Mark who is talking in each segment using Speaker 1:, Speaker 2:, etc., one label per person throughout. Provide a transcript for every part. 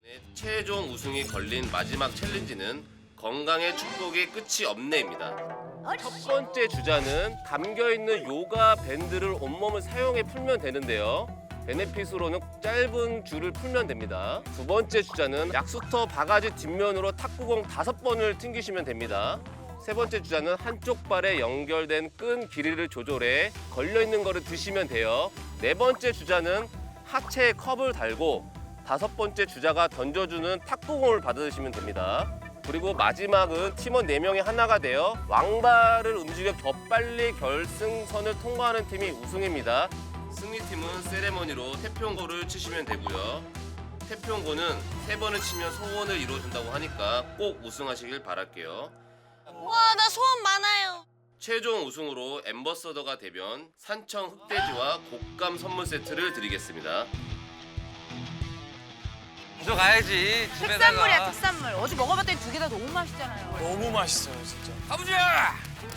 Speaker 1: 최종 우승이 걸린 마지막 챌린지는 건강의 축복이 끝이 없네입니다. 첫 번째 주자는 감겨있는 요가 밴드를 온몸을 사용해 풀면 되는데요. 베네핏으로는 짧은 줄을 풀면 됩니다. 두 번째 주자는 약수터 바가지 뒷면으로 탁구공 5번을 튕기시면 됩니다. 세 번째 주자는 한쪽 발에 연결된 끈 길이를 조절해 걸려있는 거를 드시면 돼요. 네 번째 주자는 하체에 컵을 달고 다섯 번째 주자가 던져주는 탁구공을 받으시면 됩니다. 그리고 마지막은 팀원 4명이 하나가 되어 왕발을 움직여 더 빨리 결승선을 통과하는 팀이 우승입니다. 승리팀은 세레머니로 태평고를 치시면 되고요. 태평고는 3번을 치면 소원을 이루어준다고 하니까 꼭 우승하시길 바랄게요.
Speaker 2: 와, 나 소원 많아요.
Speaker 1: 최종 우승으로 엠버서더가 되면 산청 흑돼지와 곶감 선물 세트를 드리겠습니다.
Speaker 3: 가져가야지 집에다가.
Speaker 4: 특산물이야, 특산물. 어제 먹어봤더니 2개 다 너무 맛있잖아요.
Speaker 5: 너무 맛있어요, 진짜.
Speaker 3: 가보자.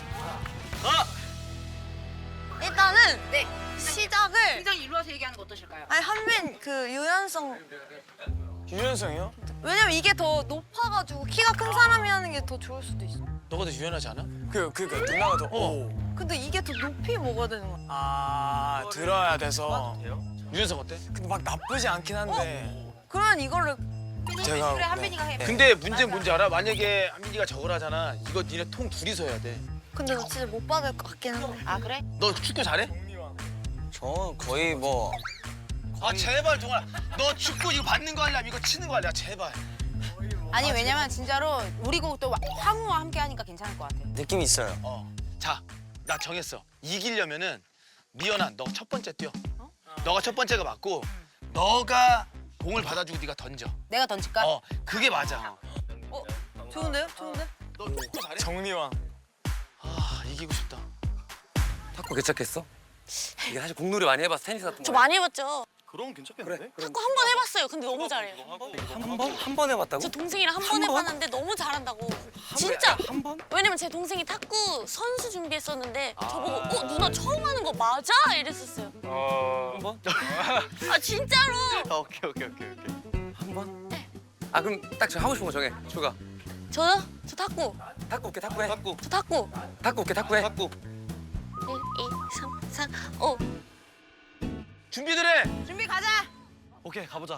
Speaker 2: 일단은 시작을
Speaker 4: 회장 일로 와서 얘기하는 거 어떠실까요?
Speaker 2: 아니 한빈 그 유연성
Speaker 5: 유연성이요?
Speaker 2: 왜냐면 이게 더 높아가지고 키가 큰 사람이 하는 게 더 좋을 수도 있어.
Speaker 5: 너가 더 유연하지 않아? 그러니까 누나가 더.
Speaker 2: 근데 이게 더 높이 먹어야 되는 거야.
Speaker 5: 아 들어야 돼서. 유연성 어때? 근데 막 나쁘지 않긴 한데.
Speaker 2: 그러면 이거를
Speaker 5: 제가
Speaker 4: 그래, 한빈이가 해.
Speaker 6: 근데 문제는 뭔지 알아? 만약에 한민이가 저걸 하잖아. 이거 니네 통 둘이서 해야 돼.
Speaker 2: 근데 나 진짜 못 받을 것 같긴 한데.
Speaker 4: 아, 그래?
Speaker 6: 너 축구 잘해?
Speaker 5: 저 거의 뭐.
Speaker 6: 아 제발 동아. 너 축구 이거 받는 거 하려면 이거 치는 거 하려. 제발.
Speaker 4: 아니, 왜냐면 진짜로 우리 곡 또 황우와 함께 하니까 괜찮을 것 같아.
Speaker 5: 느낌이 있어요.
Speaker 6: 자, 나 정했어. 이기려면은 미연아, 너 첫 번째 뛰어. 너가 첫 번째가 맞고 너가 공을 받아주고 네가 던져.
Speaker 4: 내가 던질까?
Speaker 6: 그게 맞아.
Speaker 2: 좋은데요? 좋은데?
Speaker 6: 너 축구 잘해?
Speaker 5: 정리왕.
Speaker 6: 아, 이기고 싶다.
Speaker 3: 탁구 괜찮겠어? 이게 사실 공놀이 많이 해봐서 테니스 같은 거.
Speaker 2: 저 많이 해봤죠.
Speaker 6: 그럼 괜찮겠는데?
Speaker 2: 탁구 한 번 해봤어요. 근데 너무 잘해요.
Speaker 3: 한 번? 한 번 해봤다고?
Speaker 2: 저 동생이랑 한 번
Speaker 3: 한 번?
Speaker 2: 해봤는데 너무 잘한다고. 진짜.
Speaker 3: 한 번?
Speaker 2: 왜냐면 제 동생이 탁구 선수 준비했었는데 저보고 누나 처음 하는 거 맞아? 이랬었어요.
Speaker 3: 한 번?
Speaker 2: 아 진짜로.
Speaker 6: 오케이.
Speaker 3: 한 번? 아 그럼 딱 저 하고 싶은 거 정해. 추가.
Speaker 2: 저요? 저 탁구.
Speaker 3: 탁구 올게 탁구 해. 탁구.
Speaker 2: 저 탁구.
Speaker 3: 탁구 올게 탁구 해.
Speaker 6: 탁구.
Speaker 2: 1, 2, 3, 4, 5.
Speaker 6: 준비들 해.
Speaker 4: 준비 가자.
Speaker 6: 오케이, 가보자.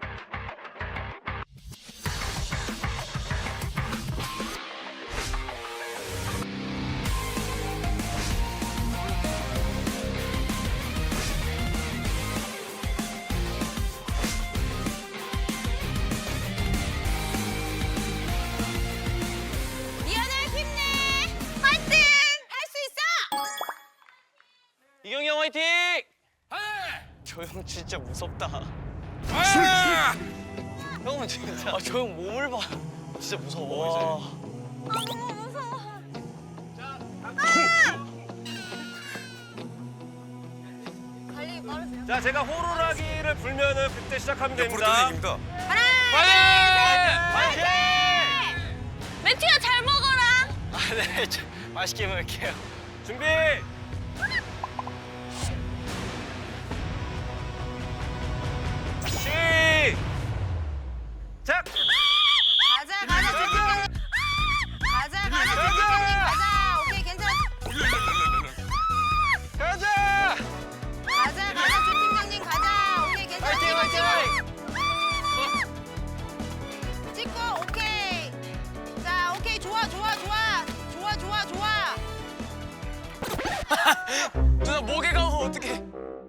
Speaker 4: 미안해, 힘내. 파이팅! 할 수 있어!
Speaker 5: 이경이 형 화이팅! 저 형 진짜 무섭다. 형은 진짜. 저 형 몸을 봐.
Speaker 6: 진짜 무서워.
Speaker 2: 달리기 빠르세요?
Speaker 1: 자, 제가 호루라기를 불면은 그때 시작하면 됩니다.
Speaker 2: 매튜야 잘 먹어라.
Speaker 5: 네, 맛있게 먹을게요.
Speaker 1: 준비. 시작.
Speaker 4: 가자, 조팀장님. 가자, 조팀장님. 가자. 오케이, 괜찮아.
Speaker 6: 가자!
Speaker 4: 가자, 조팀장님. 가자. 오케이, 괜찮아. 찍고, 오케이. 자, 오케이. 좋아.
Speaker 5: 누나 목에 가면 어떡해?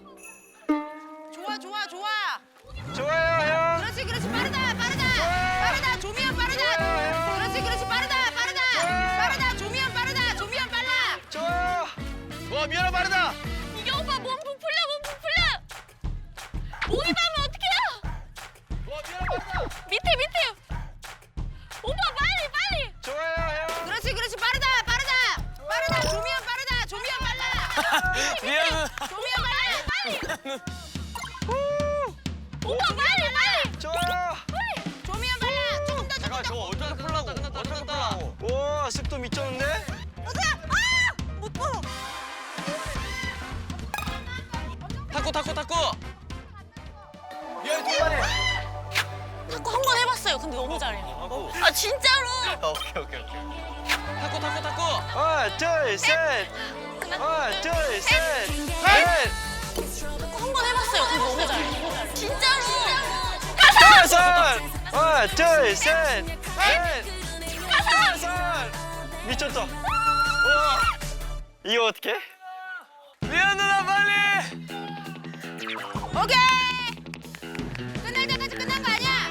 Speaker 4: 좋아.
Speaker 6: 좋아요, 형.
Speaker 4: 그렇지. 빠르다. 조미연 빠르다. 그렇지. 빠르다. 조미연 빨라.
Speaker 6: 좋아. 와, 미연아 빠르다.
Speaker 2: 이게 오빠 몸 부풀려. 목이 닿으면 어떡해요?
Speaker 6: 와, 미연아 빠르다.
Speaker 2: 밑에. 오빠 빨리.
Speaker 6: 좋아요, 형.
Speaker 4: 그렇지. 빠르다. 조미연 빨라.
Speaker 5: 미안해.
Speaker 2: 빨리. 오빠 빨리.
Speaker 6: 좋아.
Speaker 4: 조미연 빨라. 조금 더.
Speaker 5: 잠깐 저거 어떻게 풀라고? 어떻게 풀라고?
Speaker 6: 와, 습도 미쳤는데?
Speaker 2: 못 봐.
Speaker 5: 탁구.
Speaker 6: 미연이 두 번에.
Speaker 2: 탁구 한 번 근데 너무 잘해요. 아 진짜로.
Speaker 6: 오케이.
Speaker 3: 탁구.
Speaker 6: 하나, 둘, 셋. 하나, 둘, 셋.
Speaker 2: 한 번 해봤어요. 근데 너무 잘해요. 진짜로.
Speaker 6: 다섯. 하나, 둘, 셋. 다섯. 미쳤다. 우와. 이거 어떻게?
Speaker 5: 미안 누나 빨리.
Speaker 4: 오케이. 끝날 때까지 끝난 거 아니야?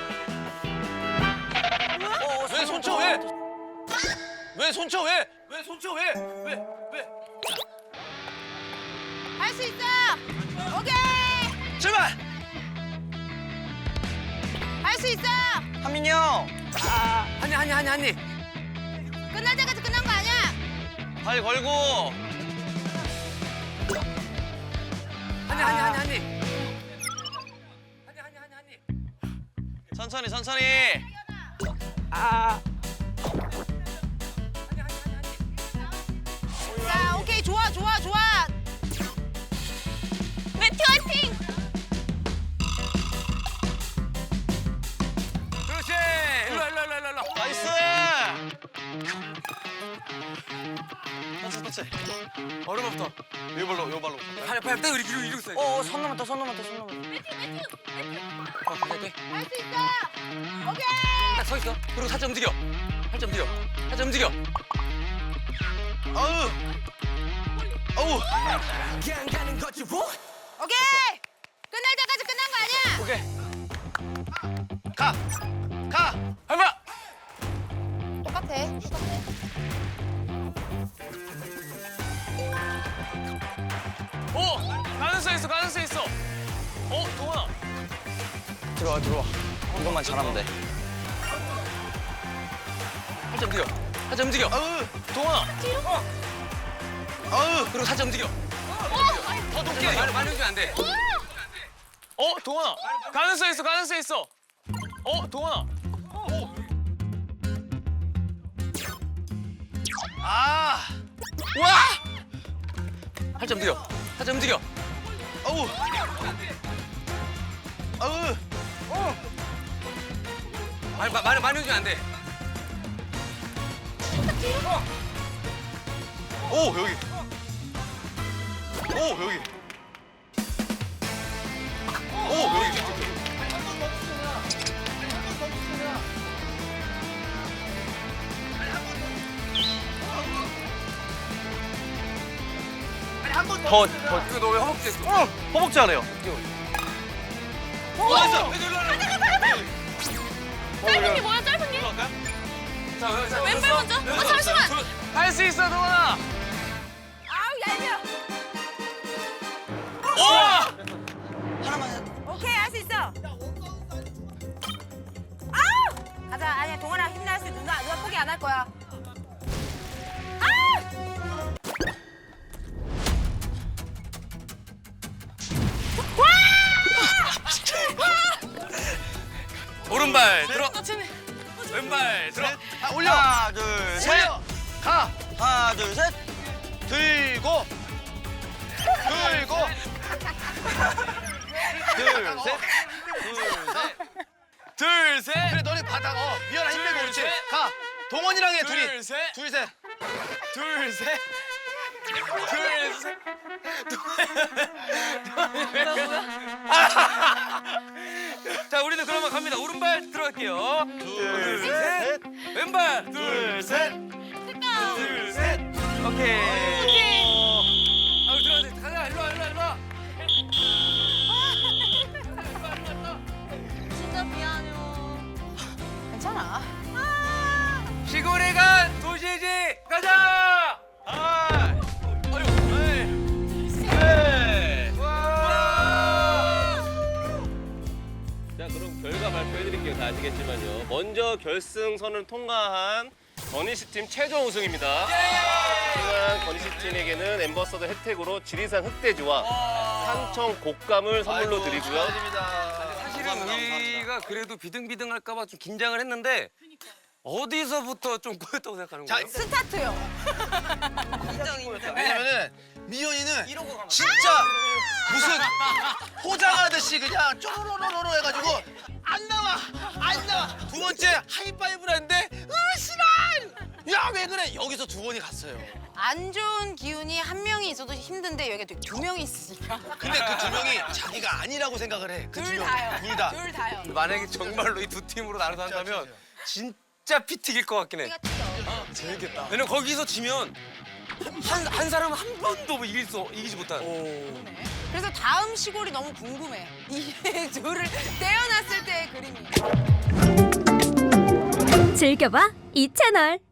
Speaker 6: 왜 손쳐 왜? 왜 손쳐 왜? 왜 손쳐 왜?
Speaker 4: 할 수 있어. 오케이.
Speaker 6: 출발.
Speaker 4: 할 수 있어.
Speaker 6: 한민이 형.
Speaker 3: 한이.
Speaker 4: 끝날 때까지 끝난 거 아니야?
Speaker 6: 발 걸고.
Speaker 3: 한이.
Speaker 6: 천천히.
Speaker 4: 자, 오케이. 좋아.
Speaker 2: 매튜 화이팅.
Speaker 3: 그렇지. 일로.
Speaker 6: 나이스. 터치.
Speaker 3: 오른발부터.
Speaker 6: 요 발로.
Speaker 3: 팔 떼고 이러고 있어.
Speaker 5: 손 넘었다.
Speaker 3: 갈게.
Speaker 4: 할 수 있어. 오케이.
Speaker 3: 딱 서 있어. 그리고 살짝 움직여.
Speaker 6: 아우.
Speaker 4: 오케이. 끝날 때까지 끝난 거 아니야?
Speaker 5: 오케이.
Speaker 6: 가.
Speaker 5: 해봐.
Speaker 4: 똑같아.
Speaker 5: 오 가능성 있어. 동원아. 들어와. 이것만 잘하면 돼.
Speaker 3: 살짝 움직여.
Speaker 6: 아우.
Speaker 5: 동원아.
Speaker 6: 아우.
Speaker 3: 그리고 살짝 움직여.
Speaker 5: 더 높게.
Speaker 3: 많이 움직이면 안 돼.
Speaker 5: 동원아. 가능성 있어. 동원아.
Speaker 6: 아.
Speaker 3: 살짝 움직여.
Speaker 6: 아우.
Speaker 3: 많이 움직이면 안 돼.
Speaker 6: 오, 여기. 더.
Speaker 3: 이거 너 왜 허벅지 했어?
Speaker 6: 허벅지 하래요.
Speaker 2: 짧은 게 뭐야 짧은 게?
Speaker 3: 자,
Speaker 2: 왼발 먼저. 잠시만.
Speaker 5: 할 수 있어 동원아.
Speaker 4: 아우, 얄미워.
Speaker 5: 오!
Speaker 4: 오케이. 할 수 있어. 아우! 가자. 아니야. 동원아 힘낼 수 있어. 누나 포기 안 할 거야.
Speaker 3: 오른발 들어.
Speaker 2: 쟤네.
Speaker 3: 왼발 들어.
Speaker 6: 아, 올려. 하나, 둘, 셋. 가. 하나, 둘, 셋. 들고.
Speaker 5: 둘 셋.
Speaker 6: 그래, 너네 받아. 미연아 힘내고 그렇지. 가. 동원이랑 해, 둘이.
Speaker 5: 둘 셋.
Speaker 6: 둘, 셋.
Speaker 3: 자, 우리는 그러면 갑니다. 오른발 들어갈게요.
Speaker 6: 둘, 셋.
Speaker 3: 왼발.
Speaker 6: 둘, 셋. 둘, 셋.
Speaker 3: 오케이. 들어가세요. 가자. 일로 와.
Speaker 2: 진짜 미안해요.
Speaker 4: 괜찮아.
Speaker 3: 시골에 간 도시지. 가자.
Speaker 1: 자, 그럼 결과 발표해드릴게요. 다 아시겠지만요. 먼저 결승선을 통과한 건희씨팀 최종 우승입니다. 우승한 건희씨팀에게는 엠버서더 혜택으로 지리산 흑돼지와 산청 곶감을 선물로 드리고요.
Speaker 3: 사실은 우리가 그래도 비등비등할까봐 좀 긴장을 했는데 어디서부터 좀 꼬였다고 생각하는 거예요?
Speaker 4: 스타트요.
Speaker 6: 왜냐면은 미연이는 진짜 무슨 포장하듯이 그냥 쪼로로로로 해가지고 안 나와. 두 번째 하이파이브를 하는데 싫어. 야 왜 그래? 여기서 두 번이 갔어요.
Speaker 4: 안 좋은 기운이 한 명이 있어도 힘든데 여기가 두 명이 있으니까.
Speaker 6: 근데 그 두 명이 자기가 아니라고 생각을 해. 그 두
Speaker 4: 둘
Speaker 6: 명.
Speaker 4: 다요.
Speaker 6: 둘 다.
Speaker 4: 둘 다요.
Speaker 3: 만약에 정말로 이 두 팀으로 나눠서 한다면 진짜 피 튀길 것 같긴 해.
Speaker 4: 우리가 튀겨.
Speaker 5: 재밌겠다.
Speaker 3: 왜냐면 거기서 지면 한 사람은 한 번도 뭐 이기지 못한.
Speaker 4: 그래서 다음 시골이 너무 궁금해. 이 둘을 떼어놨을 때의 그림이.
Speaker 7: 즐겨봐 이 채널.